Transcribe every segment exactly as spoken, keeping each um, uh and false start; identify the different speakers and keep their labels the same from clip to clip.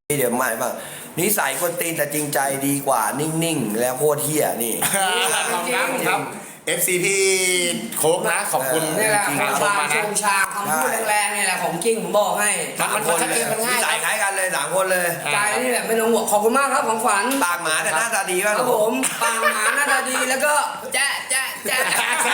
Speaker 1: เดี๋ยวใหม่บ้างนิสัยคนตีนแต่จริงใจดีกว่านิ่งๆแล้วโคตรเฮี้ยนี่
Speaker 2: ขอบคุณครับ เอฟ ซี พี่โค้กนะขอบคุณ
Speaker 3: นี่แหละ
Speaker 2: จริง
Speaker 3: คำ
Speaker 2: ๆ
Speaker 3: ชา
Speaker 2: มา
Speaker 3: ช
Speaker 2: นะ
Speaker 3: งชาคำพูดแรงๆนี่แหละของจริงผมบอกให้
Speaker 2: มันมันชัดเจนมันง่าย
Speaker 1: นิสัยคล้ายกันเลยสามคนเลย
Speaker 3: ใจนี่แหละไม่ต้องห่วงขอบคุณมากครับของฝัน
Speaker 1: ปากหมาแต่หน้าตาดี
Speaker 3: ค
Speaker 1: ป่ะ
Speaker 3: รับผมปางหมาหน้าตาดีแล้วก็แจ๊ะแจ๊ะแจ๊ะ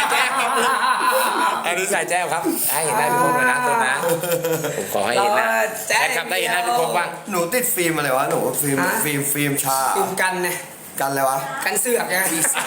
Speaker 2: อันนี้ใส่แจ้วครับให้เห็นหน้าพี่โค้กเลยนะตัวนะผมขอให้เห็นหน้าแจ้ครับได้เห็นหน้าพี่โค้กบ้าง
Speaker 1: หนูติดฟิล์มอะไรวะหนูฟิล์มฟิล์มฟิล์มชา
Speaker 3: กินกันไง
Speaker 1: กันอะไรวะ
Speaker 3: กันเสือกไง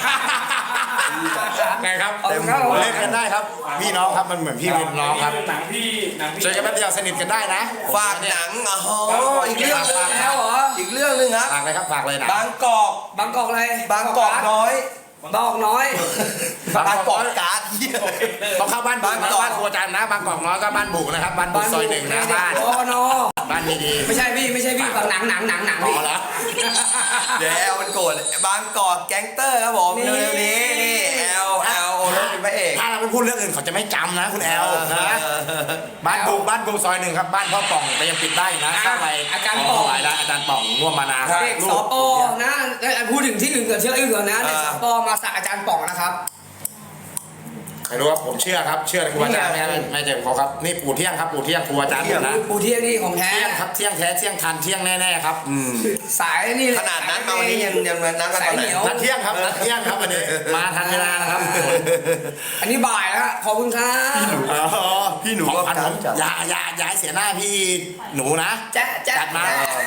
Speaker 2: ไงครับ
Speaker 3: เต็มครับ
Speaker 2: เล่นกันได้ครับพี่น้องครับมันเหมือนพี่เป็นน้องครับ
Speaker 4: หนังพี่หนังพี่
Speaker 2: เจอกันแป๊บเดียวสนิทกันได้นะ
Speaker 1: ฝากหนังอ๋ออีกเรื่องหนึง
Speaker 3: แล้วเหรอ
Speaker 1: อีกเรื่องหนึงครับ
Speaker 2: ฝากเลยครับฝากเลยนะ
Speaker 1: บางกอก
Speaker 3: บางกอกอะไร
Speaker 1: บางกอกน้อย
Speaker 3: บางกอกน้อย
Speaker 1: บางกอกการ์ดเหี้ย
Speaker 2: ต้องเข้าบ้านบุกนะ
Speaker 1: บางกอก
Speaker 2: บ้านครัวจันนะบางกอกน้อยก็บ้านบุกนะครับบ้านบุกซอยหนึ่งนะบ้าน
Speaker 3: โอ้โน
Speaker 2: บ้านดี
Speaker 3: ไม่ใช่พี่ไม่ใช่พี่ฝั่งหนังหนังหนังหนัง
Speaker 2: ๆพ
Speaker 3: พี่
Speaker 2: อแล้ว
Speaker 1: เดี๋ยวแอลมันโกรธบางกอกแก๊งเตอร์ครับผม
Speaker 3: นี่
Speaker 1: เร็วๆนี้นี่แอลแอลโอรสเป็นพระเอก
Speaker 2: ถ้าเราไม่พูดเรื่องอื่นเขาจะไม่จำนะคุณแอลนะบ้านบุกบ้านบุกซอยหนึ่งครับบ้านพ่อป่องแต่ยังปิดได้อยู่นะเข้าไป
Speaker 3: อาจารย์ป่อง
Speaker 2: ถวายได้อาจารย์ป่องร่วมมานา
Speaker 3: เด็กสปอนะพูดถึงที่อื่นก่อนเชื่ออื่นก่อนนะเด็กสปอมาสักอาจารย์ป่องนะครับ
Speaker 2: ใครรู้ว่าผมเชื่อครับเชื่อครูอาจารย์ไม่ไม่ไม่เจ็บเขาครับนี่ปู่เที่ยงครับปู่เที่ยงครูอาจารย์ผมนะ
Speaker 3: ปูเที่ยงนี่ของแท้
Speaker 2: เที่ยงครับเที่ยงแท้เที่ยงทันเที่ยงแน่ๆครับ
Speaker 3: สายนี่เลย
Speaker 1: ขนาดนั้นมาวันนี้ยังยังนัดกันตอนไหน
Speaker 2: นัดเที่ยงครับนัดเที่ยงครับวันนี้มาทันเวลานะครับ
Speaker 3: อันนี้บ่ายแล้วขอบคุณครับ
Speaker 2: อ๋อ
Speaker 1: พี่หนู
Speaker 2: ของ
Speaker 1: ก็
Speaker 2: พันผม
Speaker 1: จัด
Speaker 2: อย่าอย่าอย่าให้เสียหน้าพี่หนูนะ
Speaker 3: แจ๊ะแจ๊ะ
Speaker 2: จัดมา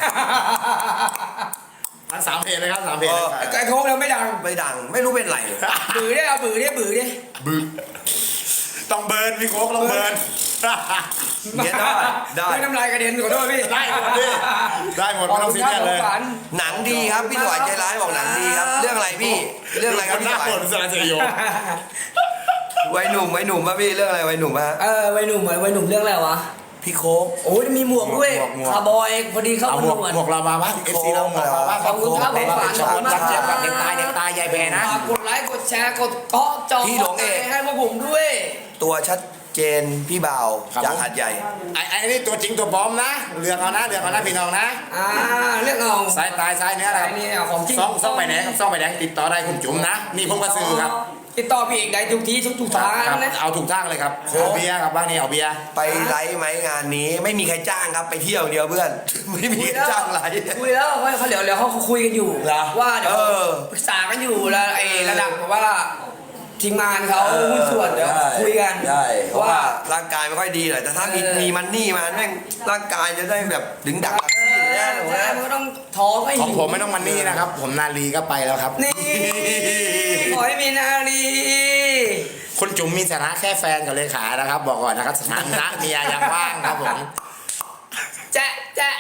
Speaker 2: มันสามเพลงเลยครับสามเพลงเลยครับ
Speaker 3: ไอ้โค้งเราไม่ดัง
Speaker 1: ไม่ดังไม่รู้เป็นไร
Speaker 3: บือได้เอาบือได้บือได้
Speaker 2: บึ้งต้องเบิร์นพี่โค้กต้องเบิร์น
Speaker 1: เนี่ยได้ได้
Speaker 3: ไม่น้ำลายกระเด็นขอโทษพี่
Speaker 2: ได้หมดดิได้หมดไม่ต้องซีเรียสเลย
Speaker 1: หนังดีครับพี่ถวายใจร้ายบอกหนังดีครับ เรื่องอะไรพี่เรื่องอะไรครับ
Speaker 2: นห
Speaker 1: พี่
Speaker 2: น้า
Speaker 1: ถวาย
Speaker 2: ฝนสารเสยโย
Speaker 1: วัยหนุ่มวัยหนุ่มป่ะพี่เรื่องอะไรวัยหนุ่มป่ะ
Speaker 3: เออวัยหนุ่มเหมือนวัยหนุ่มเรื่องอะไรวะ
Speaker 1: พี่โค้ก
Speaker 3: โอ้ยมีหมวกด้วยคาร์บอยพอดีเข้า
Speaker 2: เอา
Speaker 3: ห
Speaker 2: ห
Speaker 3: ม
Speaker 2: ม
Speaker 3: ว
Speaker 2: ว
Speaker 3: ก
Speaker 2: กหมวกเรามาบ้างเอฟซีเราหมวกเราบ้าง
Speaker 3: ขอบคุณครับผมฝาก
Speaker 2: ชนรักเจี๊ยบกับเด็กตายเด็กตายยายแพรนะ
Speaker 3: ฝากกดไลค์กดแชร์กดเกาะจอให้พวกผมด้วย
Speaker 1: ตัวชัดเจนพี่บ่าวจากหาดใหญ่
Speaker 2: ไอ้ไอ้นี่ตัวจริงตัวปลอมนะเลือกเอานะเลือกเอานะพี่น้องนะ
Speaker 3: อ่าเรื่องเอา
Speaker 2: สายตายสายเนื้ออะไร
Speaker 3: ไอ้นี่ของจริง
Speaker 2: ซ่องซ่องใบแดงครับซ่องใบแดงติดต่อได้คุณจุ๋มนะนี่ผมก็ซื้อครับ
Speaker 3: ติดต่อพี่เอกได้ทุกที่ทุกทุกทาง
Speaker 2: ครับ
Speaker 3: นะ
Speaker 2: เอาถูกทางเลยครับเอาเบียร์ครับบ้านนี้เอาเบียร์
Speaker 1: ไปไลฟ์ไหมงานนี้ไม่มีใครจ้างครับไปเที่ยวเดียวเพื่อน ไม่มีใครจ้างไลฟ์
Speaker 3: คุยแล้วเขาเดี๋ยวเดี๋ยวเขาคุยกันอยู่
Speaker 1: เหรอ
Speaker 3: ว่าเดี๋ยว
Speaker 1: เออ
Speaker 3: ปรึกษากันอยู่แล้วไอ้ระดับแบบว่าทีมงานเขาหุ้นส่วนเดี๋ยวคุยกัน
Speaker 1: ใช่เพราะว่า
Speaker 3: ว่า
Speaker 1: ร่างกายไม่ค่อยดีหน่อยแต่ถ้ามี
Speaker 3: เออ
Speaker 1: มีมันนี่มาแม่งร่างกายจะได้แบบดึงดังแบบซีดแน่เลย
Speaker 3: ใช่
Speaker 1: นะ
Speaker 3: มันก็ต้องท้องให้
Speaker 2: ของ
Speaker 3: หิว
Speaker 2: ผมไม่ต้องมันนี่นะครับ ผมนาลีก็ไปแล้วครับ
Speaker 3: นี่ขอให้มีนาลี
Speaker 2: คุณจุ๋มมีสถานะแค่แฟนกับเลขานะครับ บอกก่อนนะครับสถานะเมียยังว่างครับผม
Speaker 3: แจ๊ะแจ๊ะ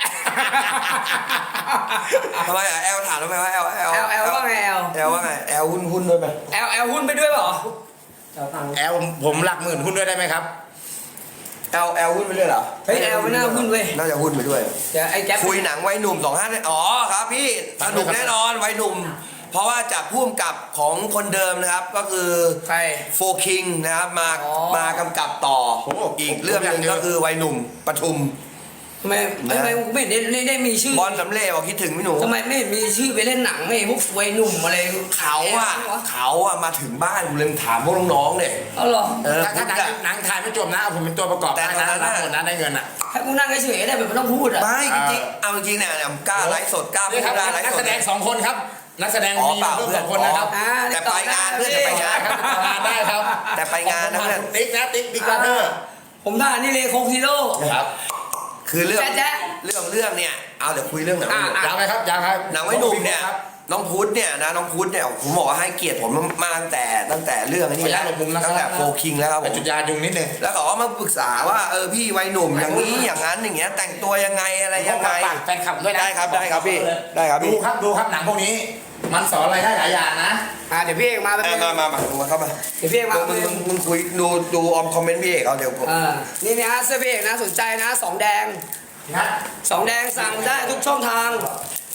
Speaker 1: ทำไมอ่ะแอลถามทำไมว่าแอลแอล
Speaker 3: แอลแอลว่าไงแอล
Speaker 1: แอลว่าไงแอลหุ้นหุ้นด้วยไหม
Speaker 3: แอลแอลหุ้นไปด้วยเหรอ
Speaker 2: แอลผมหลักหมื่นหุ้นด้วยได้ไหมครับ
Speaker 1: แอลแอลหุ้นไปด้วยเหรอ
Speaker 3: เฮ้ยแอลไม่น่าหุ้นเว้ย
Speaker 1: น่าจะหุ้นไปด้วย
Speaker 3: เดี๋ยวไอ้แก๊ป
Speaker 1: คุยหนังวัยหนุ่มสองห้าอ๋อครับพี่สนุกแน่นอนวัยหนุ่ม เพราะว่าจากผู้กำกับของคนเดิมนะครับก็คือ
Speaker 3: ใคร
Speaker 1: โฟคิงนะครับมา
Speaker 3: อ๋อ
Speaker 1: มากำกับต่อ
Speaker 2: โอ้โห
Speaker 1: อีกเรื่องหนึงก็คือวัยหนุ่มปทุม
Speaker 3: ทำไมทำไมไม่เห็นได้ได้มีชื่อบ
Speaker 1: อลสำเร็จบอกคิดถึงพี่หนู
Speaker 3: ทำไมไม่เห็นมีชื่อไปเล่นหนังไม่พวกวัยหนุ่มอะไร
Speaker 1: เขาอะเขาอะมาถึงบ้านกูเลยถามพวกน้องๆเนี่ย
Speaker 3: เอาเหรอ
Speaker 1: เออ
Speaker 2: ถ้าถ้าหนังหนังถ่ายไม่จบนะเอาผมเป็นตัวประกอบ
Speaker 1: แต่
Speaker 2: ได้
Speaker 1: ตอน
Speaker 2: นะ
Speaker 1: นั้น
Speaker 2: รับ
Speaker 1: น่ะ
Speaker 2: หมดนะได้เงินอ่ะ
Speaker 3: ให้กูนั่งเฉยๆได้แบบไม่ต้องพูดอ่ะ
Speaker 1: ไม่จริงๆเอาจริงๆเนี่ยเนี่ยกล้าไลฟ์สดกล้าพู
Speaker 2: นี่
Speaker 1: ด
Speaker 2: ครับ
Speaker 1: กล้าไลฟ์
Speaker 2: นัก
Speaker 1: ส
Speaker 2: แส
Speaker 1: ด
Speaker 2: ดงสองคนครับนักแสดง
Speaker 1: อ๋อ
Speaker 2: มี
Speaker 1: เปล่า
Speaker 2: เพิ่ม
Speaker 1: เพื่
Speaker 2: ส
Speaker 1: อน
Speaker 2: องคนนะครับ
Speaker 3: อ่า
Speaker 1: แต่ไปงานเพื่อนจะไปงาน
Speaker 2: ครับทำงานได้ครับ
Speaker 1: แต่ไปงานนะเพื่อน
Speaker 2: ติ๊กนะติ๊กติ๊กบราเธอร์
Speaker 3: ผมท่านี่เลยโคกซีโร่
Speaker 2: ครับ
Speaker 1: คือเรื่อง
Speaker 3: แจ๊ะ
Speaker 1: เรื่องเรื่องเนี่ยเอาเดี๋ยวคุยเรื่องหนัง
Speaker 3: อ่ะ
Speaker 1: วัยหนุ่ม
Speaker 2: ยาวไหมครับยาวครับ
Speaker 1: หนังวัยหนุ่มเนี่ย
Speaker 2: ครับ
Speaker 1: น้องพุทธเนี่ยนะน้องพุทธเนี่ยผมบอกว่าให้เกียรติผมมาตั้งแต่ตั้งแต่เรื่องนี้
Speaker 2: ขออนุญา
Speaker 1: แล้
Speaker 2: ต
Speaker 1: ว
Speaker 2: หลบมุมนะครับ
Speaker 1: ตั้งแต่โฟคิงแล้วครับผ
Speaker 2: ไป
Speaker 1: ม
Speaker 2: จุดยายุงนิดนึง
Speaker 1: แล้วเขาก็มาปรึกษาว่าเออพี่วัยหนุ่มอย่างนี้อย่างนั้นอย่างเงี้ยแต่งตัวยังไงอะไรยังไง
Speaker 2: ฝากแฟนคลับด้วยนะ
Speaker 1: ได้ครับได้ครับพี่ได้ครับ
Speaker 2: ดู
Speaker 1: พี่
Speaker 2: ครับดูครับหนังพวกนี้ มันสอนอะไรได้หลายอย่างนะ
Speaker 3: อ่าเดี๋ยวพี่เอกมาแป๊บ
Speaker 1: เอ
Speaker 3: นึ
Speaker 1: อง มามามามาเข้ามา
Speaker 3: เดี๋ยวพี่เอกมา
Speaker 1: มึ
Speaker 3: แป๊
Speaker 1: ง
Speaker 3: บ
Speaker 1: มึ
Speaker 3: นึ
Speaker 1: ง
Speaker 3: ง
Speaker 1: มึงคุยดูดูออมคอมเมนต์พี่เอกเอาเดี๋ยวผม
Speaker 3: อ่านี่นะเสื้อพี่เอกนะสนใจนะสองแดง
Speaker 2: นะ
Speaker 3: สองแดงสั่งได้ทุกช่องทาง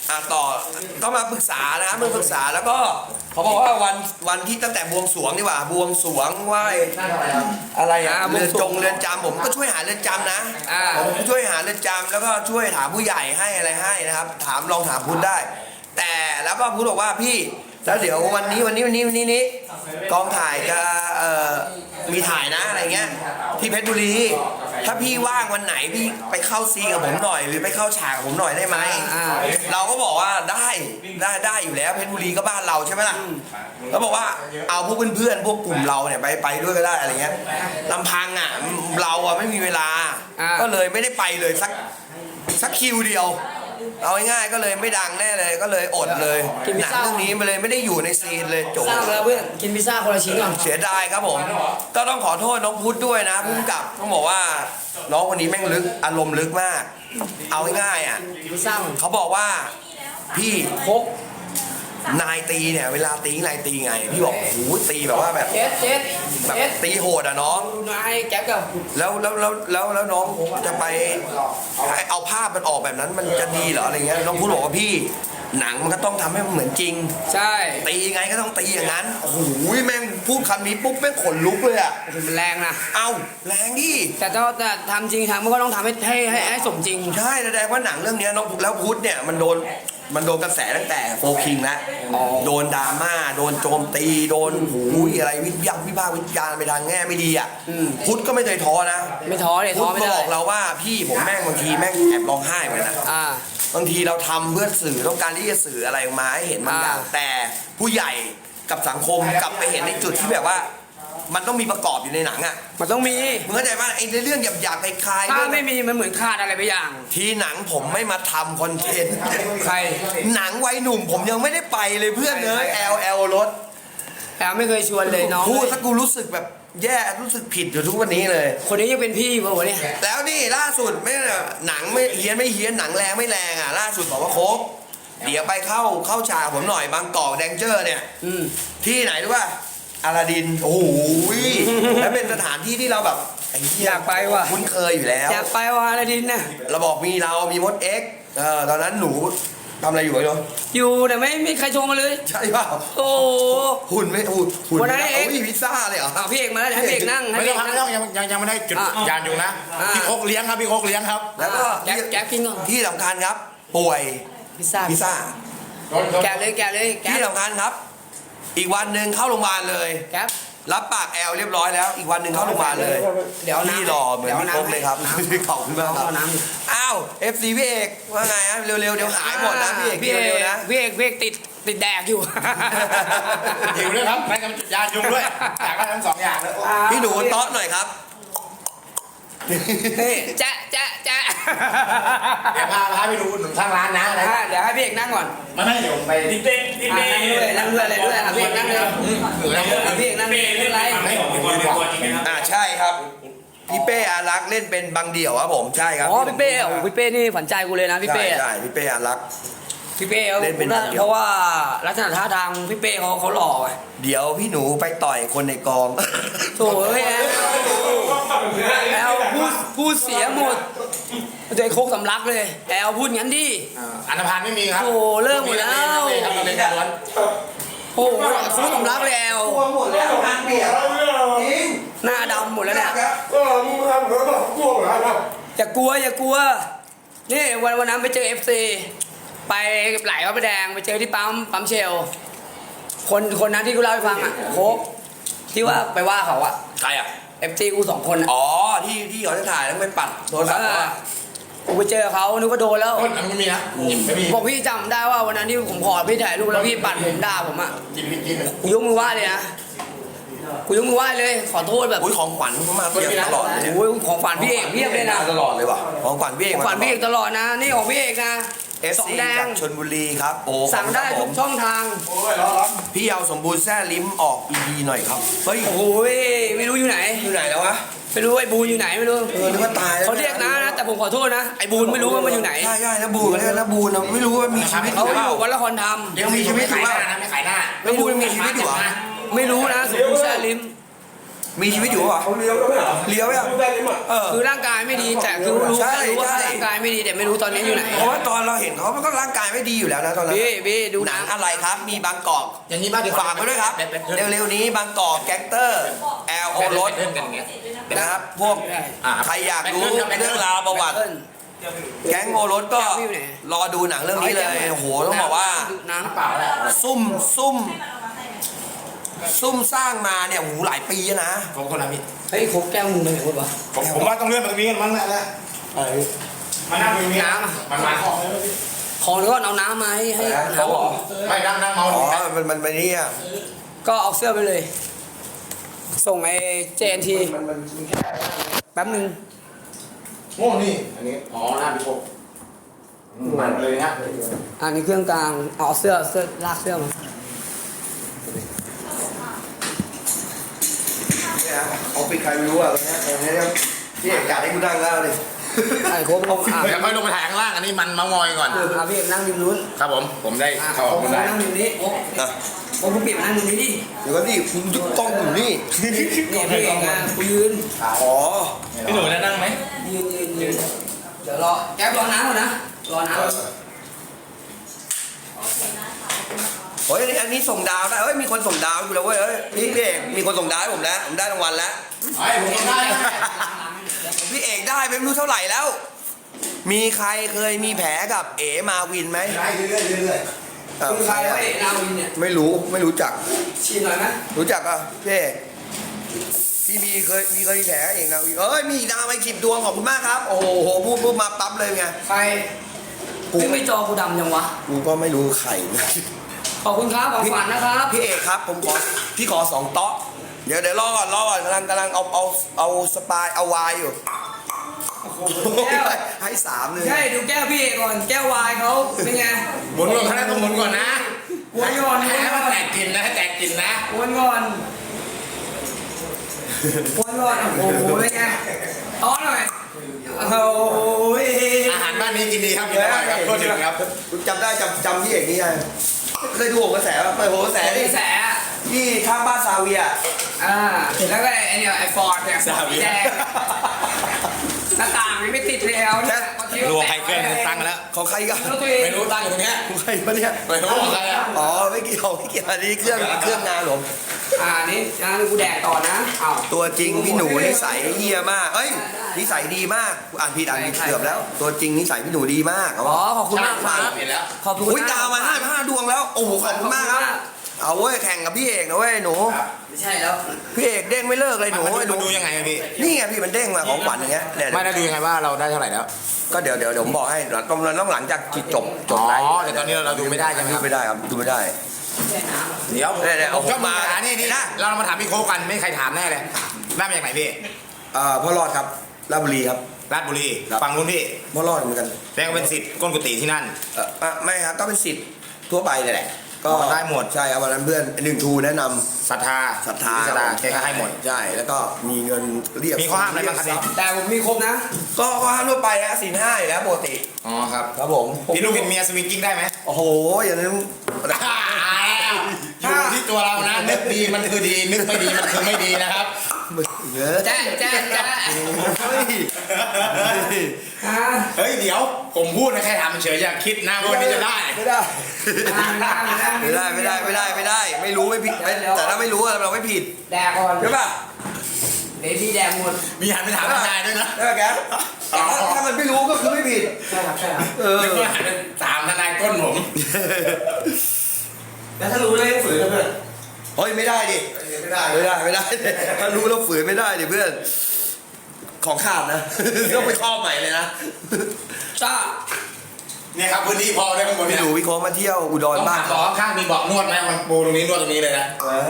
Speaker 1: อ่ะต่อก็มาปรึกษานะครับมาปรึกษาแล้วก็เขาบอกว่าวันวันที่ตั้งแต่บวงสรวงนี่หว่าบวงสรวงไหว้อะไรอ่ะ
Speaker 3: อ่าบว
Speaker 1: เรื
Speaker 3: ง
Speaker 1: อน
Speaker 3: สรวง
Speaker 1: จงเรือนจำผมก็ช่วยหาเรือนจำนะ
Speaker 3: อ่า
Speaker 1: ผมช่วยหาเรือนจำแล้วก็ช่วยถามผู้ใหญ่ให้อะไรให้นะครับ ถามลองถามพุทธได้ แต่แล้วก็พุทธบอกว่าพี่แล้วเดี๋ยววันนี้วันนี้วันนี้วันนี้นี้กองถ่ายจะเอ่อมีถ่ายนะอะไรเงี้ยที่เพชรบุรีถ้าพี่ว่างวันไหนพี่ไปเข้าซีนกับผมหน่อยหรือไปเข้าฉากกับผมหน่อยได้ไหม
Speaker 3: อ่า
Speaker 1: เราก็บอกว่าได้ได้ได้อยู่แล้วเพชรบุรีก็บ้านเราใช่ไหมล่ะแล้วบอกว่าเอาพวกเพื่อนๆพวกกลุ่มเราเนี่ยไปไปด้วยก็ได้อะไรเงี้ยลำพังอ่ะเราอ่ะไม่มีเวลา
Speaker 3: อ่า
Speaker 1: ก็เลยไม่ได้ไปเลยสักสักคิวเดียว เอาง่ายๆก็เลยไม่ดังแน่เลยก็เลยอดเลยหนังเรื่องนี้มันเลยไม่ได้อยู่ในซีนเลยจบ
Speaker 3: สร้างแล้วเพื่อนกินพิซซ่าคนละชิ้นก่อน
Speaker 1: เสียดายครับผม ก็ต้องขอโทษน้องพุทธด้วยนะพุ่งกับต้องบอกว่าน้องคนนี้แม่งลึกอารมณ์ลึกมาก เอาง่ายๆอ่ะ
Speaker 3: กินพิซซ่าก่อน
Speaker 1: เขาบอกว่าพี่
Speaker 3: โคก
Speaker 1: นายตีเนี่ยเวลาตีนายตีไง พี่บอกโอ้โหตีแบบว่าแบบ
Speaker 3: เจ็ดเจ็ด
Speaker 1: แบบ
Speaker 3: เจ็ด
Speaker 1: ตีโหดอ่ะน้อง
Speaker 3: ดูนายแก๊ปกับ
Speaker 1: แล้วแล้วแล้วแล้วแล้วน้องจะไปเอาภาพมันออกแบบนั้นมันจะดีเหรออะไรเงี้ยน้องพูดบอกว่าพี่หนังมันก็ต้องทำให้มันเหมือนจริง
Speaker 3: ใช่
Speaker 1: ตียังไงก็ต้องตีอย่างนั้นโอ้โหแม่งพูดคำนี้ปุ๊บแม่งขนลุกเลยอ่ะ
Speaker 3: โอ้โหมันแรงนะ
Speaker 1: เอ้าแรงดิ
Speaker 3: แต่ถ้าแต่ทำจริงทำมันก็ต้องทำให้ให้ให้ให้สมจริง
Speaker 1: ใช่แสดงว่าหนังเรื่องเนี้ยน้องแล้วพุทธเนี่ยมันโดนมันโดนกระแสตั้งแต่โฟคิงแล้ว
Speaker 3: อ๋อ
Speaker 1: โดนดราม่าโดนโจมตีโดนหูยอะไรวิพากษ์วิพากษ์วิจารณ์ไปทางแง่ไม่ดีอ่ะพุทธก็ไม่เคยท้อนะ
Speaker 3: ไม่ท้อเลย
Speaker 1: พุ
Speaker 3: ท้
Speaker 1: ท
Speaker 3: อ
Speaker 1: ธ
Speaker 3: ไม่
Speaker 1: มา
Speaker 3: ได้
Speaker 1: บอกเราว่าพี่ผมแม่งบางทีแม่งแอบร้องไห้เหมือนกันนะ
Speaker 3: อ่า
Speaker 1: บางทีเราทำเพื่อสื่อต้องการที่จะสื่ออะไรออกมาให้เห็นบางอย่าง
Speaker 3: อ่า
Speaker 1: แต่ผู้ใหญ่กับสังคมกลับไปเห็นในจุดที่แบบว่า มันต้องมีประกอบอยู่ในหนังอ่ะ
Speaker 3: มันต้องมี
Speaker 1: มึงเข้าใจป่ะไอ้เรื่องหยาบๆคลายๆ
Speaker 3: ถ้า
Speaker 1: เรื่อง
Speaker 3: ไม่มีมันเหมือนขาดอะไรไปอย่าง
Speaker 1: ทีหนังผมไม่มาทำคอนเทนต์
Speaker 3: ใคร
Speaker 1: หนังวัยหนุ่มผมยังไม่ได้ไปเลยเพื่อนเลยแอลแอลรถ
Speaker 3: แอลไม่เคยชวนเลยน้อง
Speaker 1: พูดสักกูรู้สึกแบบแย่รู้สึกผิดอยู่ทุกวันนี้เลย
Speaker 3: คนนี้ยังเป็นพี่ป่ะวะเนี่ย
Speaker 1: แล้วนี่ล่าสุดไม่หนังไม่เฮี้ยนไม่เฮี้ยนหนังแรงไม่แรงอ่ะล่าสุดบอกว่าโคกเดี๋ยวไปเข้าเข้าฉากผมหน่อยบางกอกแดงเจอร์เนี่ย
Speaker 3: อืม
Speaker 1: ที่ไหนรู้ป่ะอาลาดินโอ้โหแล้วเป็นสถานที่ที่เราแบบไอ้เหี้
Speaker 3: อยากไปว่ะ
Speaker 1: คุ้นเคยอยู่แล้ว
Speaker 3: อยากไปวะอะไรดินน่ะ
Speaker 1: เราบอกมีเรามีมดเอ็กซ์เออตอนนั้นหนูทำอะไรอยู่ไอ้เนาะ
Speaker 3: อยู่แต่ไม่มีใครชมมาเลย
Speaker 1: ใช่เปล่า
Speaker 3: โอ้โห
Speaker 1: หุ่นไม่หุ่นหุ่น
Speaker 3: วันนั้น
Speaker 1: ไม่
Speaker 3: เอ็กซ์
Speaker 1: โอ้ยพิซซ่าเลยเหรอ
Speaker 3: อ่ะพี่เอกมาแล้วให้พี่เอกนั่งให้
Speaker 2: ไม่
Speaker 3: พี่
Speaker 2: ต้
Speaker 3: เอ
Speaker 2: อง
Speaker 3: ก
Speaker 2: ครับ
Speaker 3: นั่
Speaker 2: ไม่
Speaker 3: ง
Speaker 2: ต้องยังยังยังไม่ได้จุด
Speaker 3: อ่ะ
Speaker 2: ยานอยู่นะ
Speaker 3: อ่ะ
Speaker 2: พี่โคกเลี้ยงครับพี่โคกเลี้ยงครับ
Speaker 1: แล้วก็
Speaker 3: แก๊ปแก๊ปกินก่อน
Speaker 1: ที่สำคัญครับ ป่วย
Speaker 3: พิซซ่า
Speaker 1: พิซซ่า
Speaker 3: แกะเลยแกะเลยแกะ
Speaker 1: ที่สำคัญครับ อีกวันหนึ่งเข้าโรงพยาบาลเลย
Speaker 3: แก๊ป
Speaker 1: รับปากแอลเรียบร้อยแล้ว อีกวันหนึ่งเข้าโรงพยาบาลเลย
Speaker 3: เดี๋ยวน้ำ
Speaker 1: พี่หล่อเหมือนพี่โคกเลยครับ
Speaker 3: น้ำ
Speaker 1: ขอบคุณมากครับ
Speaker 3: เอาน้ำ
Speaker 1: อ้าวเอฟซีพี่เอกว่าไงฮะเร็วๆเดี๋ยวหายหมดนะพี่เอก
Speaker 3: พี่เอ
Speaker 1: เร็ว
Speaker 3: ก
Speaker 1: ๆนะ
Speaker 3: พี่เอกพี่เอกติดติดแดกอยู่
Speaker 2: อยู่ด้วยครับไม่กับจุดยานยุงด้วยอยากได้ทั้งสองอย่างเลย
Speaker 1: พี่หนูต๊อดหน่อยครับ
Speaker 3: นี่แจ๊ะแจ๊ะแจ๊ะ
Speaker 2: เดี๋ยวพาพาไปดูหนุนข้างร้านนะอะไร
Speaker 3: อ่ะเดี๋ยวให้พี่เอกนั่งก่อน
Speaker 2: ไม่ไม่เดี๋ยวไป
Speaker 4: ติ๊กเต้ติ๊ก
Speaker 3: อ่ะ
Speaker 4: เต้
Speaker 3: นั่งด้วยนั่งด้วยอะไรด้วยอ่ะพี่เอกนั่งเลย
Speaker 2: ถือนะ
Speaker 3: อ่ะพี่เอกนั่งเลยไม่เป็นไร
Speaker 4: ไม่ผมเป็นคนเป็นคนจริงไหมครับ
Speaker 1: อ่าใช่ครับพี่เป้อารักษ์เล่นเป็นบางเดี่ยวครับผมใช่ครับ
Speaker 3: อ๋อพี่เป้โอ้พี่เป้นี่ฝันใจกูเลยนะพี่
Speaker 1: ใช่
Speaker 3: เป้อะ
Speaker 1: ใช่พี่เป้อารักษ์
Speaker 3: พี่เป้เขา
Speaker 1: เล่นเป็นบางเดี่ยว
Speaker 3: เพราะว่าลักษณะท่าทางพี่เป้เขาเขาหล่อไง
Speaker 1: เดี๋ยวพี่หนูไปต่อยคนในกอง
Speaker 3: โถ่เอ้ยแอลแอลพูดพูดเสียหมดใจโคกสำลักเลยแอลพูดงั้นดิ
Speaker 2: อันธพาลไม่มีครับ
Speaker 3: โอ้เลิกหมดแล้ว
Speaker 2: ไม่ครับเราเป็นการล้วน
Speaker 3: โอ้โหโคกสำลักเลยแอล
Speaker 1: ตัวหมดแล้วงานเปียกจริง
Speaker 3: หน้าดำหมดแล้วเนี่ย
Speaker 5: เออมึงทำเหมือนแบบกลัวเหรอครับ
Speaker 3: อย่ากลัวอย่ากลัวนี่วันวันนั้นไปเจอ เอฟ ซี ไปไหลพระประแดงไปเจอที่ปั๊มปั๊มเชล คนคนนั้นที่กูเล่าให้ฟังอ่ะโคกที่ว่าไปว่าเขาอ่ะ
Speaker 1: ใครอ่ะ
Speaker 3: เอฟซีกูสองคนอ่ะ
Speaker 1: อ๋อที่ที่เขาจะถ่ายแล้วไปปัดโทรศัพท์เขาอะ
Speaker 3: กูไปเจอเขานึกว่าโดนแล้ว
Speaker 2: ต้นอันไม่มีนะไม่มี
Speaker 3: บอกพี่จำได้ว่าวันนั้นที่ผมขอพี่ถ่ายรูปแล้วพี่ปัดผมด่าผมอ่ะ
Speaker 2: กินกินกิน
Speaker 3: กูยกมือไหว้เลยนะกูยกมือไหว้เลย ขอโทษแบบ
Speaker 1: อุ้ยของขวัญเขามาเพียบตลอดเลยเนี่ย
Speaker 3: โอ้ยของฝันพี่เอกเพียบเลยนะ
Speaker 1: ตลอดเลยว่ะของขวัญพี่เอก
Speaker 3: ของ
Speaker 1: มา
Speaker 3: ฝันพี่เอกตลอดนะ นี่ของพี่เอกนะ
Speaker 1: เอฟ
Speaker 3: สอง
Speaker 1: ซี
Speaker 3: แด
Speaker 1: จาง กชลบุรีครับโอ้
Speaker 3: สั่งได้
Speaker 1: ขอบ
Speaker 3: ทุ
Speaker 1: คุ
Speaker 3: ก
Speaker 1: ณครับผม
Speaker 3: ช่องทาง
Speaker 5: โอ้ยร้อนร้อน
Speaker 1: พี่เอาสมบูรณ์แซ่ลิ้มออกอีพีหน่อยครับเฮ้ย
Speaker 3: โอ้โหไม่รู้อยู่ไหน
Speaker 1: อยู่ไหนแล้ววะ
Speaker 3: ไม่รู้ไอ้บูนอยู่ไหนไม่รู้
Speaker 1: เออนึกว่าตายแล้ว
Speaker 3: เขาเรียกนะนะแต่ผมขอโทษนะไอ้บูนไม่รู้ว่ามันอยู่ไหน
Speaker 1: ใช่ใช่แล้วบูนเนี่ยแล้วบูนน่ะไม่รู้ว่ามีชีวิตอ
Speaker 3: เขา
Speaker 1: ยู่เป
Speaker 3: อ
Speaker 1: ล่า
Speaker 3: ยู่วัดละครธรรม
Speaker 1: ยังมีชีวิตอยู่
Speaker 2: ขายห
Speaker 1: เป
Speaker 2: น้า
Speaker 1: ล่า
Speaker 2: นะไม่ขายหน้า
Speaker 1: แล้วบูนยังมีชีวิตอยู่เหรอ
Speaker 3: ไม่รู้นะสมบูรณ์แซ่ลิม
Speaker 1: มีชีวิตอยู่ป่ะ
Speaker 5: เขาเลี้ยวแล้วไม่เหรอ
Speaker 1: เลี้ยวยัง
Speaker 5: ได้ไหม
Speaker 1: เออ
Speaker 3: คือร่างกายไม่ดีแต่คือรู้
Speaker 1: ใช่
Speaker 3: รู้ว่า
Speaker 1: ใช่
Speaker 3: ร่างกายไม่ดีแต่ไม่รู้ตอนนี้อยู่ไหน
Speaker 1: เพราะว่าตอนเราเห็นเขามันก็ร่างกายไม่ดีอยู่แล้วนะตอนนั้น
Speaker 3: พี่พี่ดู
Speaker 1: หนั
Speaker 3: นะ
Speaker 1: งอะไรครับ มีบางกอก
Speaker 2: อย่างนี้บ้างดี
Speaker 1: ฝากไว้ด้วยครับ เร็วๆนี้บางกอกแก๊งเตอร์แอลโอรส
Speaker 2: เล่นกันอย่างเงี้ย
Speaker 1: นะครับ พวก
Speaker 2: อ่า
Speaker 1: ใครอยากรู้เรื่องราวประวัติ แก๊งโอรสก็รอดูหนังเรื่องนี้เลยโอ้โหต้องบอกว่า
Speaker 3: น้ำเปล่าแหละ
Speaker 1: ซุ่มซุ่มซุ่มสร้างมาเนี่ยโอ้โหหลายปีแล้วนะ
Speaker 2: ผมคนละพี่
Speaker 3: เฮ้ยโคกแก้วมึงไปไหนหมดวะ
Speaker 2: ผมผมว่าต้องเลื่อนมาตรงนี้กันมั้งแหละมานั่งตรงนี้
Speaker 3: น้ำอะ
Speaker 2: มันมา
Speaker 3: ขอหรือว่าเอาน้ำมาให้ให้
Speaker 1: เขาบอก
Speaker 2: ไม่นั่งนั่งเมา
Speaker 1: อ๋
Speaker 2: ต
Speaker 1: อ
Speaker 2: รงนี้
Speaker 1: มันมันมันนี่อ่ะ
Speaker 3: ก็เอาเสื้อไปเลย ส่งไอ้เจนที
Speaker 1: มันมันมันแค่
Speaker 3: แป๊บนึง
Speaker 2: โง่นี่อันนี้อ๋อหน้าพี่พกมันเลยนะ
Speaker 3: อันนี้เครื่องกลางเอาเสื้อเสื้อลากเสื้อมา
Speaker 1: เนี่ยเขาปิดใครไม่รู้อ่ะตรงเนี้ยตรงเนี้ยพี่เอกอยากให้กูนั่งแล้วเลย
Speaker 3: ไอ้โคกลงอ่ะ
Speaker 2: เดี๋ยวค่อยลงไปถ่ายข้างล่างอันนี้มันเมามอยก่อน
Speaker 3: อ่ะพี่เอกนั่งริมนู้น
Speaker 2: ครับผมผมได้
Speaker 3: อ่ะ
Speaker 2: เข้าออก
Speaker 3: โคก
Speaker 2: ได้
Speaker 3: นั่งริมนี้โคก
Speaker 1: นะ
Speaker 3: โคกกูเปลี่ยนนั่งริมนี้ดิ
Speaker 1: เดี๋ยวก็นี่คุณยึดกล้องอยู่นี่
Speaker 3: เนี่ยพี่เอกอ่ะกูยืน
Speaker 1: อ๋อ
Speaker 2: พี่หนูได้นั่งไหม
Speaker 3: ยืนยืนยืนเดี๋ยวรอแก๊ปรอน้ำก่อนนะรอน้ำ
Speaker 1: โอ้ยอันนี้อันนี้ส่งดาวได้เอ้ยมีคนส่งดาวอยู่แล้วเว้ยเอ้ยพี่พี่เอกมีคนส่งดาวให้ผมแล้วผมได้รางวัลแล้ว
Speaker 2: ไอ้ผมได้
Speaker 1: พี่เอกได้ไปไม่รู้เท่าไหร่แล้ว มีใครเคยมีแผลกับเอ๋มาวินไหม
Speaker 2: ได้เรื่อยๆเรื่อย
Speaker 1: เอ้า
Speaker 3: คือใครวะเอกนาวินเนี่ย
Speaker 1: ไม่รู้ไม่รู้จัก
Speaker 3: ชินหน่อยไหม
Speaker 1: รู้จักอ่ะพี่เอกพี่มีเคยมีเคยมีแผลเองนะเอ้ยมีดาวไปขีดดวงขอบคุณมากครับ โอ้โหพูดพูดมาปั๊บเลยไง
Speaker 3: ใครพี่ไม่จอกูดำยังวะ
Speaker 1: กูก็ไม่รู้ใครนะ
Speaker 3: ขอบคุณครับของฝันนะครับ
Speaker 1: พี่เอกครับผมขอพี่ขอสองโต๊ะเดี๋ยวเดี๋ยวรอก่อนรอก่อนกำลังกำลังเอาเอาเอาสปายเอาวายอยู่
Speaker 3: แก้ว
Speaker 1: ให้สามเลย
Speaker 3: ใช่ดูแก้วพี่เอกก่อนแก้ววายเขาเป็นไง
Speaker 2: ๆหมุนก่อนข้างหน้าต้องหมุนก่อนนะ
Speaker 3: วนก่อน
Speaker 2: ให้มันแตกกลินนะให้แตกกลินนะ
Speaker 3: วนก่อนวนก่อนโอ้โหเป็นไงต้อนหน่อยโอ้ย
Speaker 2: อาหารบ้านนี้กินดีครับกินอร่อยครับโทษทีครับ
Speaker 1: คุณจำได้จำจำพี่เอกนี่ไงเคยดูโหนกระแสป่ะไปโหนกระแส
Speaker 3: แต่
Speaker 1: นี่
Speaker 3: ที่แส
Speaker 1: ที่ข้างบ้านซาเวีย
Speaker 3: อ่าแล้วก็ไอเนี่ยไอฟอร์ดเนี่ยฟอร์ดสีแดงหน้าต่างมันไม่ติดแล้วเนี่ย
Speaker 2: รวมใครเกินตั้งแล้ว
Speaker 1: ของใครกัน
Speaker 3: แล้วตัวเอง
Speaker 2: ไม่รู้ตั้งอยู่ตรงเนี้ย
Speaker 1: ของใครปะเนี่ย
Speaker 2: ไม่รู้ของใครอ่ะ
Speaker 1: อ๋อไม่เกี่ยวไม่เกี่ยวอันนี้เครื่องเครื่องงานผม
Speaker 3: อ่านี่นะนี่กูแดกต่อนะอ้าว
Speaker 1: ตัวจริงพี่หนูนิสัยเฮียมากเอ้ยนิสัยดีมากกูอ่านผิดอ่านผิดเกือบแล้ว ตัวจริงนิสัยพี่หนูดีมาก
Speaker 3: อ๋อขอบคุณมากครับ
Speaker 2: เห็นแล้ว
Speaker 3: ขอบคุณ
Speaker 1: อุ้ยดาวมาห้าห้าดวงแล้วโอ้โหขอบคุณมากครับเอาเว้ยแข่งกับพี่เอกนะเว้ยหนู
Speaker 3: ไม่ใช่แล้ว
Speaker 1: พี่เอกเด้งไม่เลิกเลยหนู
Speaker 2: มัน
Speaker 1: ไอ้ห
Speaker 2: ดู
Speaker 1: นู
Speaker 2: ดูยังไงอะพี่
Speaker 1: นี่ไงพี่มันเด้งมาของขวัญอย่างเงี้ยเนี่ย
Speaker 2: ไม่ได้ดูยังไงว่าเราได้เท่าไหร่แล้ว
Speaker 1: ก็เดี๋ยวเดี๋ยวเดี๋ยวผมบอกให้เราต้องเราต้องหลังจากจบจ
Speaker 2: อ๋
Speaker 1: บ
Speaker 2: อ
Speaker 1: ไลฟ์
Speaker 2: แต่ตอนนี้เราดูไม่ได้ใช่ไหมค
Speaker 1: ดู
Speaker 2: รับ
Speaker 1: ไม่ได้ครับดูไม่ได้
Speaker 2: เดี๋ยว
Speaker 1: เนี่ยเนี่ยเอา
Speaker 2: ผมชอบ
Speaker 1: มา
Speaker 2: มานี่นี่นะเรามาถามพี่โค้กกันไม่มีใครถามแน่เลยได้มาจากไหนพี่
Speaker 1: เอ่อพ่อรอดครับราชบุรีครับ
Speaker 2: ราชบุรี
Speaker 1: ครับ
Speaker 2: ฝั่งนู้นพี่
Speaker 1: พ่อรอดเหมือนกัน
Speaker 2: แสดงว่าเป็นสิทธิ์ก้นกุฏิที่นั่น
Speaker 1: เอ่ออ่ะไม่ครับก็เป็นสิทธิ์ทั่วไปเลยแหละก็
Speaker 2: อ๋อได้หมด
Speaker 1: ใช่เอาวันนั้นเพื่อนหนึ่งทูแนะนำ
Speaker 2: ศรัทธา
Speaker 1: ศรัทธา
Speaker 2: ศรัทธาแกก็ให้หมด
Speaker 1: ใช่แล้วก็มีเงินเรียก
Speaker 2: มีข้อห้ามอะไรบ้างครับพี่
Speaker 3: แต่ผมมีครบนะ
Speaker 1: ก็ข้อห้ามทั่วไปนะศีลห้าอยู่แล้วปกติ
Speaker 2: อ๋อครับ
Speaker 1: ครับผม
Speaker 2: พี่ลูกเป็นเมียสวิงกิ้งได้ไหม
Speaker 1: โอ้โหอย่างนั้น
Speaker 2: อยู่ที่ตัวเรานะนึกดีมันคือดีนึกไม่ดีมันคือไม่ดีนะครับ
Speaker 1: เยอะ
Speaker 3: แจ๊ะแจ๊ะแจ๊ะ
Speaker 1: เฮ้ย
Speaker 3: อ่า
Speaker 2: เฮ้ยเดี๋ยวผมพูดนะแค่ถามเฉยอย่าคิดนะว่าวันนี้จะได้
Speaker 1: ไม่ได้ไม่ได้ไม่ได้ไม่ได้ไม่ได้ ไม่รู้ไม่ผิดไม่แต่ถ้าไม่รู้อะเราไม่ผิด
Speaker 3: แดกก่อน
Speaker 1: ใช่ป่ะ
Speaker 3: เดี๋ยวพี่แดกหมด
Speaker 2: มีหันไปถามทนายด้วยนะ
Speaker 1: ใช่ป่ะแกแต่ถ้าถ้ามันไม่รู้ก็คือไม่ผิด
Speaker 3: ใช่ครับใช่ครับ
Speaker 1: เออ
Speaker 2: นึกว่าหันไปถามทนายก้นผม
Speaker 5: แล้วถ้ารู้ได้ฝืนนะเพื่อน
Speaker 1: เฮ้ยไม่ได้ดิ
Speaker 5: ไม่ได้
Speaker 1: ไม่ได้ไม่ได้ถ้ารู้แล้วฝืนไม่ได้ดิเพื่อนของขาดนะ ต้องไปครอบใหม่เลยนะ
Speaker 3: จ้า
Speaker 2: เนี่ยครับพื้นที่พอได้ข้างบน
Speaker 1: พี่
Speaker 2: เนี่ย
Speaker 1: หนูพี่โค้งมาเที่ยวอุดร
Speaker 2: ต้อง
Speaker 1: บ้า
Speaker 2: ถาน มบอกข้างมีเบาะนวดไหมมันปูตรงนี้นวดตรงนี้เลยนะ
Speaker 1: เออ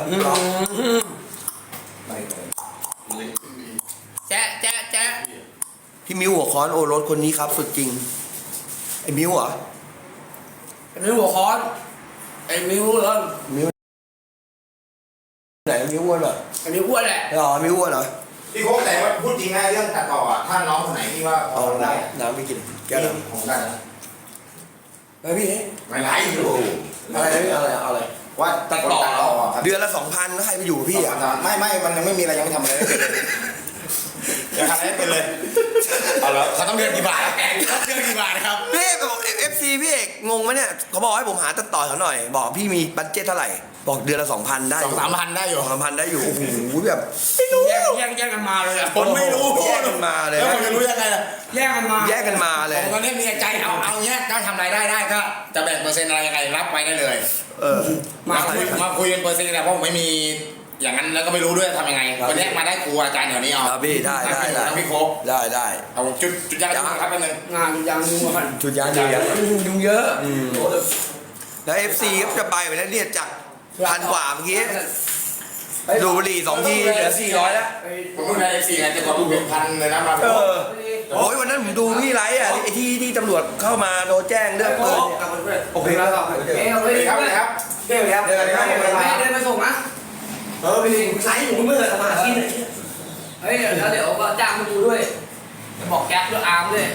Speaker 3: แจ๊ะแจ๊ะแจ๊ะ
Speaker 1: พี่มิวหัวค้อนโอรสคนนี้ครับสุดจริงไอ้มิวเหรอ
Speaker 3: เป็นหัวค้อนไอ้มิวเหรอ
Speaker 1: มิวไหนมิวอ้วนเหรอ
Speaker 3: ไอ้มิวอ้วนแหละ
Speaker 1: อ๋อมิวอ้วนเหรอ
Speaker 2: พี่โค้กแต่ว่าพูดจริงนะเรื่องตัดต่ออ่ะถ้าน้องคนไหนที่ว่า
Speaker 1: เอา
Speaker 2: เอาได้
Speaker 1: น้ำน้ำไม่กินแก้วน้
Speaker 2: ผมได้นะ
Speaker 1: ำไปพี่
Speaker 2: ไม่ไรอยู่
Speaker 1: อะไรอะไรอะไรอะไร
Speaker 2: ว่าตัดต่ออ่ะครับ
Speaker 1: เดือนละสองพันแล้วใครไปอยู่กับพี่อ่ะ
Speaker 2: ไม่ไม่มันยังไม่มีอะไรยังไม่ทำอะไรเลยยังทำอะไรไม่เป็นเลยเอาละเขาต้องเดือนกี่บาทเขาเดือนกี่บาทครับ
Speaker 1: พี่เอกบอกเอฟซีพี่เอกงงไหมเนี่ยเขาบอกให้ผมหาตัดต่อเขาหน่อย บอกพี่มีบัตเจ็ตเท่าไหร่บอกเดือนละสองพันได้
Speaker 2: สองสามพันได้อยู่
Speaker 1: สองสามพันได้อยู่โอ้โหแบบ
Speaker 3: แยกแยกแยกกันมาเลยอะ
Speaker 2: ผมไม่รู้
Speaker 1: แยกกันมาเลย
Speaker 2: แล้วผมจะรู้ยังไงล่ะ
Speaker 3: แยกกันมา
Speaker 1: แยกกันมาเลย
Speaker 2: ผมตอนนี้มีใจเอาเอาเงี้ยถ้าทำรายได้ได้ก็จะแบ่งเปอร์เซ็นต์อะไรยังไงรับไปได้เลย
Speaker 1: เออ
Speaker 2: มาคุยมาคุยเป็นเปอร์เซ็นต์นะเพราะผมไม่มีอย่างนั้นแล้วก็ไม่รู้ด้วยทำยังไงวันนี้มาได้ครูอาจารย์เดี๋ยวนี้เอา
Speaker 1: ครับพี่ได้ได้ได้
Speaker 2: ทั้งพี่โคก
Speaker 1: ได้ได้
Speaker 2: เอาจุดจุดยากจุดครับแป๊บนึง
Speaker 3: งานยังยุ่งกัน
Speaker 1: ชุดยานเดียว
Speaker 3: ยุ่งเยอะ
Speaker 1: แล้วเอฟซีก็จะไปไปแล้วเนี่ยจากพันกว่าเมื่อกี้ดูบุหรี่สองทีเหลือสี่ร้อยแล้ว
Speaker 2: ผมเพิ่งได้เอฟซีไงจะกดเป็นพันเลยนะมา
Speaker 1: เออโอ้ยวันนั้นผมดูพี่ไลฟ์อ่ะไอ้ที่ที่ตำรวจเข้ามาโทรแจ้งเรื่องปืนเนี่ยโอเคครับ
Speaker 3: เอ้ยเอาไป
Speaker 2: ครับเลยครับ
Speaker 3: เดี๋ยวครับเดี๋ยวครับเดินมาส่งนะ
Speaker 1: เออไปไลฟ์อยู่เมื่อสมาธิเนี่ย
Speaker 3: เฮ้ยเดี๋ยวแล้วเดี๋ยวก็จ้างมาดูด้วยจะบอกแก๊ปด้วยอาร์มด้วย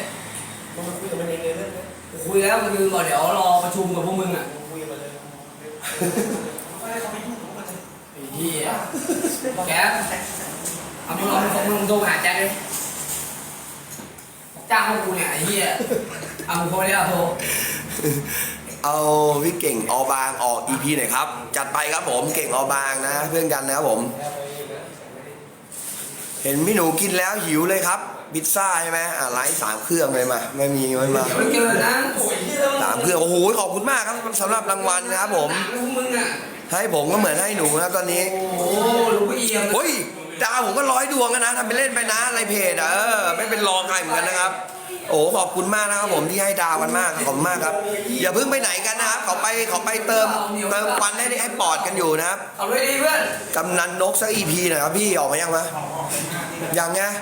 Speaker 3: คุยแล้วก็คือบอกเดี๋ยวรอประชุมกับพวกมึงอ่ะไอ้เหี้ยแก๊ปเอามึงลองมึงลองโทรหาแจ็คดิจ้างพวกกูเนี่ยไอ้เหี้ยเอามึงโทรได้เอาโทร
Speaker 1: เอาพี่เก่งออบางออก อี พี หน่อยครับ จัดไปครับผมเก่งออบางนะเพื่อนกันนะครับผม เห็นพี่หนูกินแล้วหิวเลยครับพิซซ่าใช่ไหมอ่ะไลฟ์สามเครื่องเลยมาไม่มีไม่มา
Speaker 3: เดี๋ยวไม่เจอนะ
Speaker 1: สามเครื่องโอ้โหขอบคุณมากครับสำหรับรางวัลนะครับผม
Speaker 3: พวกมึงอ่ะ
Speaker 1: ให้ผมก็เหมือนให้หนูนะครับตอนนี้
Speaker 3: โอ้โหลูกเอี่ยม
Speaker 1: โอ้ยดาวผมก็ร้อยดวงกันนะทำไปเล่นไปนะในเพจอ่ะเออไม่เป็นรองใครเหมือนกันนะครับ โอ้ขอบคุณมากนะครับผมที่ให้ดาวกันมากขอบคุณมากครับอย่าเพิ่งไปไหนกันนะครับเขาไปเขาไปเติมเติมควันให้ให้ปอดกันอยู่นะครับ
Speaker 3: เอาด้วยดีเพื่อน
Speaker 1: กำนันนกสักอีพีหน่อยครับพี่ออกมายังมะยังไง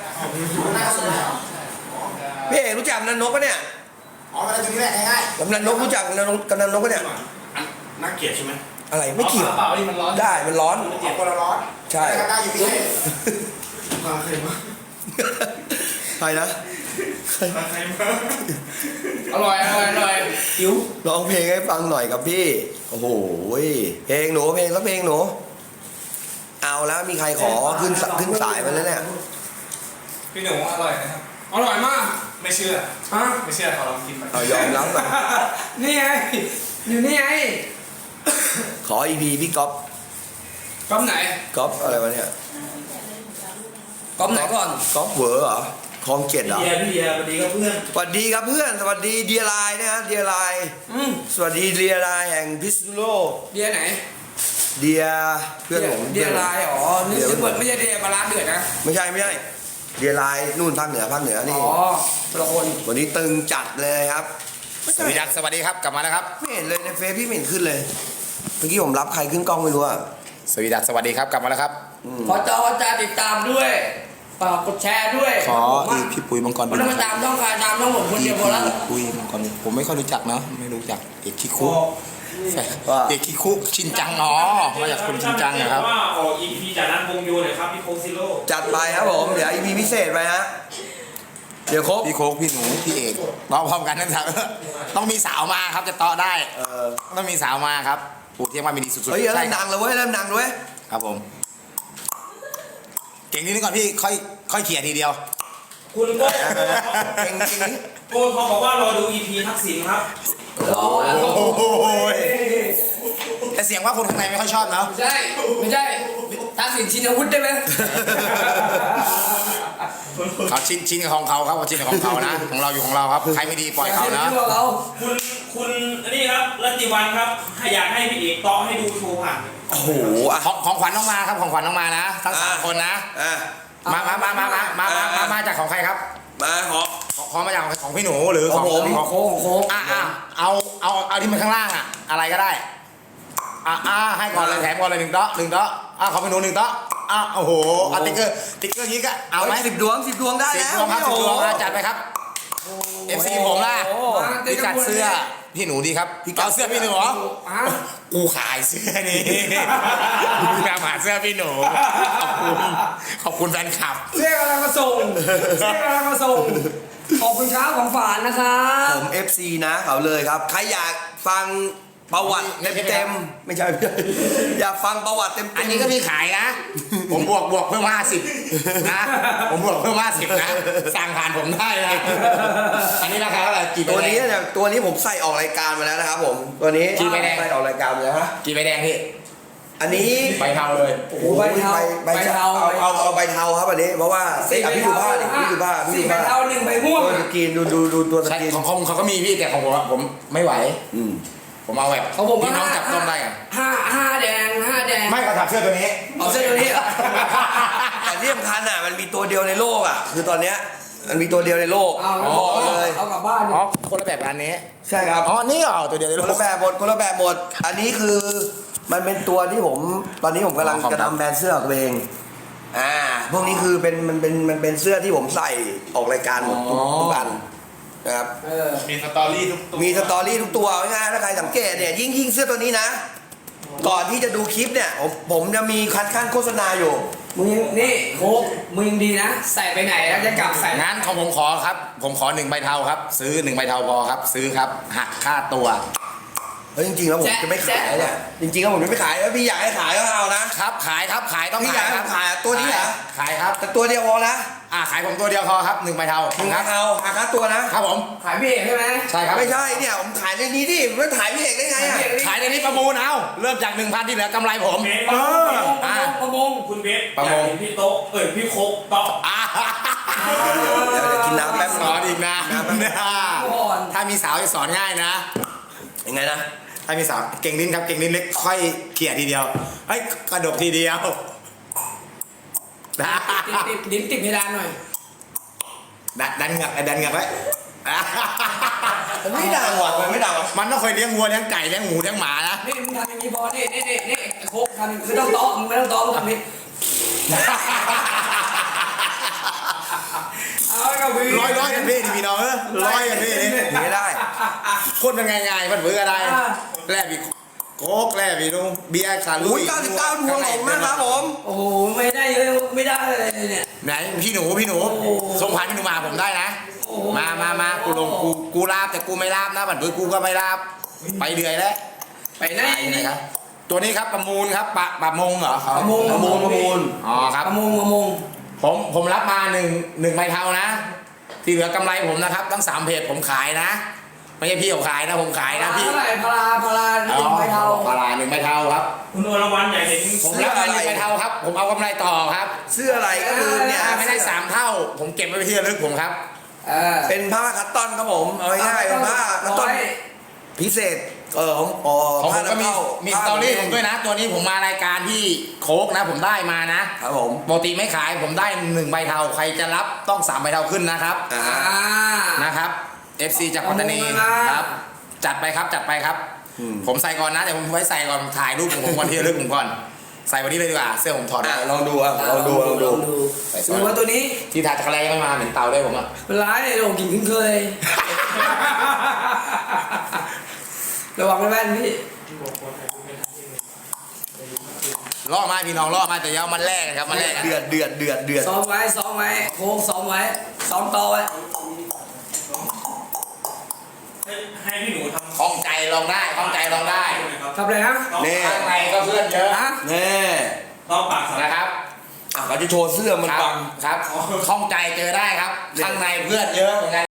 Speaker 1: พี่เอกรู้จักกำนันนกปะเนี่ย
Speaker 2: อ๋อมาได้จุดนี้แหละง่าย
Speaker 1: กำนันนกรู้จักกำนันนกกำนันนกปะเนี่ย
Speaker 2: ๆน่าเกลียดใช่ไหม
Speaker 1: อะไรไม่เกี่ยว
Speaker 4: เปล่านี่มันร้อน
Speaker 1: ได้มันร้อน
Speaker 2: เกลียดคนละร้อน
Speaker 1: ใช่
Speaker 2: ได้อยู่พี่
Speaker 5: มาใครมา
Speaker 1: ใครนะ
Speaker 5: มาใครมา
Speaker 3: อร่อยอร่อยอร่อยหิว
Speaker 1: ร้องเพลงให้ฟังหน่อยครับพี่โอ้โหเพลงหนูเพลงแล้วเพลงหนูเอาแล้วมีใครขอขึ้นสขึ้นสายไปแล้วเนี่ย
Speaker 4: พี่หนูอร่อยนะครับ
Speaker 3: อร่อยมาก
Speaker 4: ไม่เชื่อ
Speaker 3: ฮะ
Speaker 4: ไม่เชื่อขอลองกินไป
Speaker 1: เอายอมรับก่อน
Speaker 3: นี่ไงอยู่นี่ไง
Speaker 1: ขออีพีพี่ก๊อฟ
Speaker 3: ก๊อปไหน
Speaker 1: ก๊อฟอะไรวะเนี่ย
Speaker 3: ก๊อปไหนก่อน
Speaker 1: ก๊อฟเวอร์เหรอคลองเจ็ดเหรอ
Speaker 4: เดียพี่เดียสวัสดีครับเพื่อน
Speaker 1: สวัสดีครับเพื่อนสวัสดีเดียไลน์นะฮะเดียไลน์
Speaker 3: อืม
Speaker 1: สวัสดีเดียไลน์แห่งพิษณุโลก
Speaker 3: เดียไหน
Speaker 1: เดียเพื่อนผม
Speaker 3: เดียลายอ๋อนี่คือเปิดไม่ใช่เดียปลาร้าเดือดนะ
Speaker 1: ไม่ใช่ไม่ใช่เดียไลน์นู่นภาคเหนือภาคเหนือ
Speaker 3: อ๋
Speaker 1: นี่
Speaker 3: อคนละคน
Speaker 1: วันนี้ตึงจัดเลยครับ
Speaker 2: สวัสดีครับสวัสดีครับกลับมาแล้วครับ
Speaker 1: ไม่เห็นเลยในเฟซพี่ไม่เห็นขึ้นเลยเมื่อกี้ผมรับใครขึ้นกล้องไม่รู้อะ
Speaker 2: สวัสดีครับสวัสดีครับกลับมาแล้วครับ
Speaker 3: ขอจอจะติดตามด้วยฝากกดแชร์ด้วย
Speaker 2: ขออีกพี่ปุ้ยมังกร
Speaker 3: ไม่ต้องมาตามต้องการตามต้องผมคนเดียวพอแล้ว
Speaker 2: ปุ้ยมังกรผมไม่ค่อยรู้จักนะไม่รู้จักเอกคิคุเอกคิคุชินจังอ๋อมาจากคุณชินจังนะครับ
Speaker 4: ว่าออก อี พี จากนั้นวงโยเลยครับพี่โคซิโร่
Speaker 1: จัดไปครับผมเดี๋ยวอีพีพิเศษไปฮะเดี๋ยวครบ
Speaker 2: พี่โค้กพี่หนูพี่เอกร้องพร้อมกันทั้งสามต้องมีสาวมาครับจะต่อได้
Speaker 1: เออ
Speaker 2: ต้องมีสาวมาครับปู่เทียมมามีดีสุดๆ
Speaker 1: เฮ้ยเริ่
Speaker 2: ใช่
Speaker 1: ม
Speaker 2: ค
Speaker 1: ดั
Speaker 2: รับ
Speaker 1: งเลยเว้ยเริ่มดังเลยเว้ย
Speaker 2: ครับผม เก่งนิดนึงก่อนพี่ค่อยค่อยเขี่ยทีเดียว
Speaker 4: คุณโก้
Speaker 1: เก่งจริงนี่
Speaker 4: โก้เขาบอกว่ารอดู อี พี ทักษิณครับ
Speaker 3: รอแล้ว
Speaker 2: โอ้โหแต่เสียงว่าคนข้างในไม่ค่อยชอบเนาะ
Speaker 3: ไม่ใช่ไม่ใช่ทักษิณชินวุฒิได้ไหม
Speaker 2: เขาชินชินกับของเขาครับเขาชินกับของเขานะ ของเราอยู่ของเราครับใครไม่ดีปล่อยเขานะ
Speaker 3: เรา
Speaker 4: คุณคุณอันนี้ครับรัตติวันครับอยากให้พี่เอกต่อให้ดูโชว์ผ่าน
Speaker 1: โอ้โหอ่ะ
Speaker 2: ของของขวัญน้องมาครับของขวัญน้องมานะทั้งสามคนนะ
Speaker 1: อ่ะ
Speaker 2: มามามามามามามามามาจากของใครครับ
Speaker 1: มาขอ
Speaker 2: ของของมาจากของพี่หนูหรือของ
Speaker 1: ของผม
Speaker 2: ของ
Speaker 3: โค้งโค้ง
Speaker 2: อ่ะอ่ะเอาเอาเอาที่มันข้างล่างอ่ะอะไรก็ได้อ่ะอ่ะให้ก่อนเลยแถมก่อนเลยหนึ่งโต๊ะหนึ่งโต๊ะอ่ะขอพี่หนูหนึ่งโต๊ะอ่ะโอ้โหเอาติ๊กเกอร์ติ๊กเกอร์นี้ก็เอาไหม
Speaker 1: สิบดวงสิบดวงได้
Speaker 2: สิบ
Speaker 1: แล้ว
Speaker 2: ดวงครับสิบดวง
Speaker 1: โอ้โห
Speaker 2: อ่ะจัดไปครับ เอฟซีผมล่ะ
Speaker 1: โอ้
Speaker 2: พี่จัดเสื้อพี่หนูดีครับเอาเสื้อพี่หนูเหรอ
Speaker 3: อ่ะ
Speaker 2: กูขายเสื้อนี้กูตามหาเสื้อพี่หนูขอบคุณขอบคุณแฟนคลับ
Speaker 3: เสื้อกำลังมาส่งเสื้อกำลังมาส่งขอบคุณครับของฝานนะครับ
Speaker 1: ผม เอฟ ซี นะเขาเลยครับ ใครอยากฟังประวัติเต็มๆไม่ใช่ไม่ใช่อยากฟังประวัติเต็มๆ
Speaker 2: อันนี้ก็มีขายนะ ผมบวกบวกเพิ่มห้าสิบนะ ผมบวกเพิ่มห้าสิบนะ สั่งผ่านผมได้นะ อันนี้ราคาเท่าไหร่กี่ใบ
Speaker 1: ตัว
Speaker 2: แด
Speaker 1: นี้
Speaker 2: ง
Speaker 1: เนี่ยตัวนี้ผมใส่ออกรายการมาแล้วนะครับผมตัวนี้
Speaker 2: กี่ใบแดง
Speaker 1: ใส่ออกรายการมาแล้วฮะ
Speaker 2: กี่ใบแดงพี่
Speaker 1: อันนี้
Speaker 2: ใบเทาเลย
Speaker 3: โอ้โหใบเทา
Speaker 1: ใบเทาเอาเอาเอาใบเทาครับอันนี้เพราะว่าเอ้ยอ่ะพี่ดูผ้าดิพี่ดูผ้าพี่
Speaker 3: สี่
Speaker 1: ดู
Speaker 3: ใบ
Speaker 1: ผ้า
Speaker 3: เทาหนึ่งใบม่วง
Speaker 1: ตัวสกรีนดูดูดูตัวส
Speaker 2: ใช่
Speaker 1: กรีน
Speaker 2: ของของเขาก็มีพี่แต่ของผมอะผมไม่ไหว
Speaker 1: อืม
Speaker 2: ผมเอาแบบ
Speaker 3: ของผม
Speaker 2: พี่น้องจับต้องได้อะ
Speaker 3: ห้าห้าแดงห้าแดง
Speaker 2: ไม่ก็ถักเสื้อตัวนี้
Speaker 3: เอาเส้นตัวนี้เหรอ
Speaker 1: แต่ที่สำคัญอ่ะมันมีตัวเดียวในโลกอ่ะคือตอนเนี้ยมันมีตัวเดียวในโลก
Speaker 3: เอา
Speaker 1: บอกเลย
Speaker 3: เอากลับบ้าน
Speaker 2: อ๋อคนละแบบอันนี้
Speaker 1: ใช่ครับ
Speaker 2: อ๋อนี่เหรอตัวเดียวใน
Speaker 1: ค
Speaker 2: โล
Speaker 1: น
Speaker 2: ก
Speaker 1: ละแบบหมดคนละแบบหมด อันนี้คือมันเป็นตัวที่ผมตอนนี้ผมกำลัง
Speaker 2: อ๋อครับ
Speaker 1: จะทำแบรนด์เสื้อของตัวเองอ่าพวกนี้คือเป็นมันเป็นมันเป็นเสื้อที่ผมใส่ออกรายการหมดทุกทุกอันนะครับ
Speaker 3: เออ
Speaker 5: มีสตอรี่ทุกตัว
Speaker 1: มีสตอรี่ทุกตัวง่ายๆถ้าใครสังเกตเนี่ยยิ่งยิ่งเสื้อตัวนี้นะ ก่อนที่จะดูคลิปเนี่ยผมผมจะมีคัดขั้นโฆษณาอยู่
Speaker 3: มึงยังนี่โค้กมึงยังดีนะ ใส่ไปไหนแล้วจะกลับใส่
Speaker 2: งั้นของผมขอครับ ผมขอหนึ่งใบเทาครับ ซื้อหนึ่งใบเทาพอครับ ซื้อครับหักค่าตัว
Speaker 1: เฮ้ยจริงๆแล้วผมจะไม่ขายเนี่ยจริงๆแล้วผมจะไม่ขายแล้วพี่อยากให้ขายก็เอานะ
Speaker 2: ครับขายครับขายต้อง
Speaker 1: พี่อยา
Speaker 2: ขาก ย
Speaker 1: ให้
Speaker 2: ครับ
Speaker 1: ขายตัวนี้เหรอ
Speaker 2: ขายครับ
Speaker 1: แต่ตัวเดียวพอนะ
Speaker 2: อ่าขายผมตัวเดียวพอครับหนึ่งใบเทา
Speaker 1: หนึ่ง
Speaker 2: ครับ
Speaker 1: เอาอาคาตัวนะ
Speaker 2: ครับผม
Speaker 3: ขายพี่เอกใช่ไหม
Speaker 2: ใช่ครับ
Speaker 1: ไม่ใช่เนี่ยผมขายในนี้ดิไม่ถ่ายพี่เอกได้ไง
Speaker 3: ขาย
Speaker 1: อ่ะ
Speaker 3: พี่เอก
Speaker 2: ขายในนี้ประมูลเอาเริ่มจากหนึ่งพันที่เหลือกำไรผม
Speaker 4: เบส
Speaker 1: เออ
Speaker 3: ประมงประมง
Speaker 4: คุณเบส
Speaker 2: ประมง
Speaker 4: อยากเห็นพี่โต๊ะเอ้ยพี่โคกโต๊ะ
Speaker 2: อ่า
Speaker 1: เดี๋ยวเดี๋ยวกินน้ำแป๊บ
Speaker 2: สอนอีกนะ
Speaker 3: ก่อน
Speaker 2: ถ้ามีสาวจะสอนง่ายนะ
Speaker 1: ยังไงนะ
Speaker 2: ถ้ามีสาวเก่งลิ้นครับเก่งลิ้นเล็กค่อยเขี่ยทีเดียวเฮ้ยกระดกทีเดียวนะ
Speaker 3: ติดติดดิ้นติดเพดานหน่อย
Speaker 2: ดันดันเหงือกดันเหงือกไว้
Speaker 1: ไม่ดังว่ะไม่ดังว่ะ
Speaker 2: มันต้องเคยเลี้ยงวัวเลี้ยงไก่เลี้ยงหมูเลี้ยงหมานะ
Speaker 3: นี่มึงทำอย่างนี้พอนี่นี่นี่นี่โค้กทำอย่างนี้ไม่ต้องต้อมึงไม่ต้องต้อมึงทำนี้เอากับพี่
Speaker 2: ร้อยร้อยกันพี่ดิพี่น้องเออร้อยกันพี่นี่
Speaker 1: หนีได้
Speaker 2: คนมันง่ายๆมันเบื่ออะไรแลบอีกโค้กแลบอีกนู่นเบียร์ขาลุ
Speaker 1: อุ้ย
Speaker 2: ย
Speaker 1: เก้าสิบเก้าดวงของนะครับผม
Speaker 3: โอ้โหไม่ได้เยอะไม่ได้เลยเนี่ย
Speaker 2: ไหนพี่หนูพี่หนู
Speaker 3: โอ้โห
Speaker 2: ส่งผ่านพี่หนูมาผมได้นะ
Speaker 3: โอ้โห
Speaker 2: มามามากูลงกูกูลาบแต่กูไม่ลาบนะบัดเบื่อกูก็ไม่ลาบไปเดือยแล้ว
Speaker 3: ไปไหน
Speaker 2: ไป
Speaker 3: นี่
Speaker 2: นะครับตัวนี้ครับประมูลครับปะประมงเหรอ
Speaker 3: ประมง
Speaker 1: ประมูลประมูล
Speaker 2: อ๋อครับ
Speaker 3: ประมงประมง
Speaker 2: ผมผมรับมาหนึ่งหนึ่งใบเทานะ ที่เหลือกำไรผมนะครับทั้งสามเพจผมขายนะ ไม่ใช่พี่เขาขายนะผมขายนะพี่
Speaker 3: เท่าไหร่พาราพาราหนึ่งใบเทา
Speaker 2: ปลาหนึ่งใบเทาครับ
Speaker 4: คุณอรวรรณอยากเห็น
Speaker 2: ผมรับมาหนึ่งใบเทาครับ ผมเอากำไรต่อครับ
Speaker 1: เสื้ออะไรก็คือเนี่ย
Speaker 2: ถ้าไม่ได้สามเท่า ผมเก็บไว้เป็นที่ระลึกผมครับ
Speaker 3: เออ
Speaker 1: เป็นผ้าคัตตอนครับผมเอาง่ายๆเป็นผ้าคัตตอน
Speaker 3: ร้อย
Speaker 1: พิเศษเออของอ๋อ
Speaker 2: ของผ
Speaker 1: ผ้าม
Speaker 2: ก็มี
Speaker 1: นำเข้า
Speaker 2: มี
Speaker 1: ผ้า
Speaker 2: สตอรี่ผมด้วยนะ ตัวนี้ผมมารายการที่โค้กนะ ผมได้มานะครับ
Speaker 1: ผม
Speaker 2: ปกติไม่ขายผมได้หนึ่งใบเทาใครจะรับต้องสามใบเทาขึ้นนะครับ
Speaker 1: อ่า
Speaker 3: อ่า
Speaker 2: นะครับ เอฟ ซี จากปัตตานี
Speaker 3: ขอบคุณมาก
Speaker 2: ครับ จัดไปครับจัดไปครับ ผมใส่ก่อนนะเดี๋ยวผมไว้ใส่ก่อนถ่ายรูปของผมวันที่ระลึกผมก่อน ใส่วันนี้เลยดีกว่าเสื้อผมถอด
Speaker 1: อ่ะ
Speaker 2: ได้
Speaker 1: ลองดูอ่ะลองดูลองดู
Speaker 2: ใส่ส
Speaker 3: ดู
Speaker 2: วย
Speaker 3: ว่าตัวนี้
Speaker 2: ที่ทาจักรแลยังไม่มาเหมือนเตาด้วยผมอ่ะ
Speaker 3: เป็นร้ายโดนกินขึ้นเคยระวังแว่นพี่
Speaker 2: ล่อมาพี่น้องล่อมาแต่อยาวมันแรกนะครับมันแรก
Speaker 1: เดือดเดือดเดือดเดือด
Speaker 3: ซ้อมไว้ซ้อมไว้โค้งซ้อมไว้ซ้อมต่อไว้
Speaker 4: ให้ให้พี่หนูทำ
Speaker 2: คล่องใจลองได้คล่องใจลองได้
Speaker 3: ทำอะไรนะ
Speaker 1: นี่
Speaker 2: ข้างในก็เพื่อนเยอะ
Speaker 3: ฮะ
Speaker 1: แน่
Speaker 4: ต้องปากสาร
Speaker 2: นะครับ
Speaker 1: อ่ะเขาจะโชว์เสื้อมัน
Speaker 2: ครับ
Speaker 1: บัง
Speaker 2: ครับคล่องใจเจอได้ครับ ข้างในเพื่อนเยอะเหมือนกัน